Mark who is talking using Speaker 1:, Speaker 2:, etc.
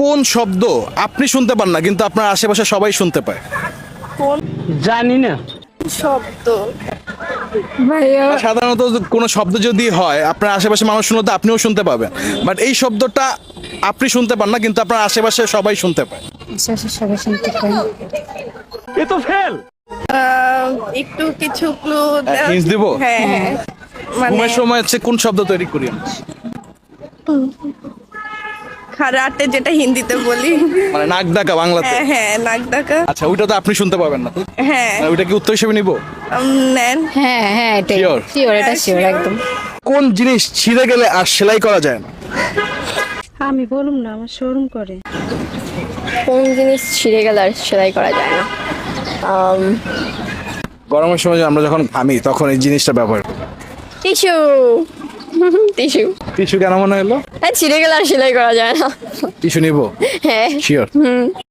Speaker 1: কোন শব্দ আপনি শুনতে পান না কিন্তু আপনার আশেপাশে সবাই শুনতে পায়?
Speaker 2: জানি না।
Speaker 3: শব্দ ভাইয়া
Speaker 1: সাধারণত কোনো শব্দ যদি হয় আপনার আশেপাশে মানুষ শুনলে তো আপনিও শুনতে পাবেন, বাট এই শব্দটা আপনি শুনতে পান না কিন্তু আপনার আশেপাশে সবাই শুনতে পায়।
Speaker 3: সবাই শুনতে পায়।
Speaker 2: এ তো ফেল।
Speaker 3: একটু কিছু ক্লু
Speaker 1: hints দিব?
Speaker 3: হ্যাঁ হ্যাঁ মানে
Speaker 1: ঘুমের সময় হচ্ছে কোন শব্দ তৈরি করি আমরা?
Speaker 3: খারাটে যেটা হিন্দিতে বলি।
Speaker 1: মানে নাক ডাকা বাংলাতে।
Speaker 3: হ্যাঁ হ্যাঁ নাক ডাকা।
Speaker 1: আচ্ছা ওইটা তো আপনি শুনতে পাবেন না,
Speaker 3: হ্যাঁ
Speaker 1: ওইটা কি উত্তর হিসেবে নিব?
Speaker 3: নেন।
Speaker 4: হ্যাঁ হ্যাঁ এটাই
Speaker 1: Sure?
Speaker 4: শিওর, এটা শিওর একদম।
Speaker 1: কোন জিনিস ছিঁড়ে গেলে আর সেলাই করা যায় না?
Speaker 5: আমি বলুম না, আমার শোরুম করে।
Speaker 4: কোন জিনিস ছিঁড়ে গেলে আর সেলাই করা যায় না?
Speaker 1: গরমের সময় আমরা যখন ঘামি তখন এই জিনিসটা ব্যবহার করি।
Speaker 4: টিস্যু। টিস্যু।
Speaker 1: টিস্যু কেন মনে হলো?
Speaker 4: হ্যাঁ ছিঁড়ে গেলে আর সেলাই করা যায় না।
Speaker 1: টিস্যু নিব?
Speaker 4: হ্যাঁ।
Speaker 1: শিওর?